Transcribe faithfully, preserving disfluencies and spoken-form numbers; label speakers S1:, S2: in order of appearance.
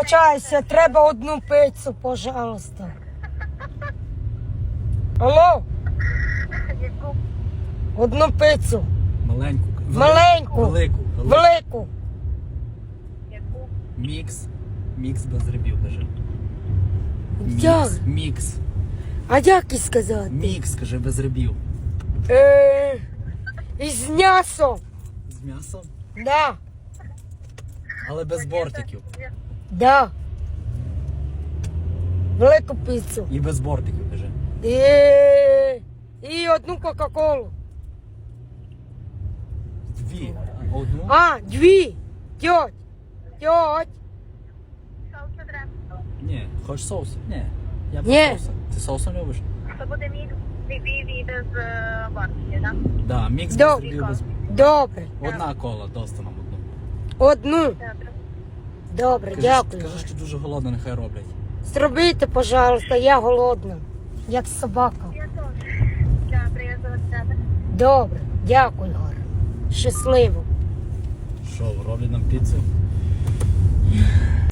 S1: вибачаюся, треба одну пиццу, пожалуйста. Алло? Одну пиццу.
S2: Маленьку.
S1: Маленьку.
S2: Велику.
S1: Велику.
S2: Мікс. Мікс без грибів, каже.
S1: Як?
S2: Мікс. Мікс.
S1: А як і сказати?
S2: Мікс, каже, без грибів.
S1: Е, із м'ясом.
S2: З м'ясом,
S1: Да.
S2: але без бортиків.
S1: Да. Велику піцу.
S2: І без бортиків, каже.
S1: І, і одну Кока-Колу.
S2: Дві. Одну.
S1: А, дві. Тьоть. Тьоть.
S2: Ні. Хочеш соус? Ні. Я без
S1: Ні.
S2: соуса. Ти соусом любиш?
S3: Це буде мікс дві без бортики, так?
S2: Да, мікс
S1: Добре.
S2: без грибів. Без...
S1: Добре.
S2: Одна кола, доста нам одну.
S1: Одну.
S3: Добре.
S1: Добре,
S2: Кажи,
S1: дякую.
S2: Кажи, що дуже голодно, нехай роблять.
S1: Зробіть, пожалуйста, я голодна. Як собака.
S3: Я теж. Так, приїзду від тебе.
S1: Добре, дякую, Гора. Щасливо.
S2: Що, роблять нам піцу?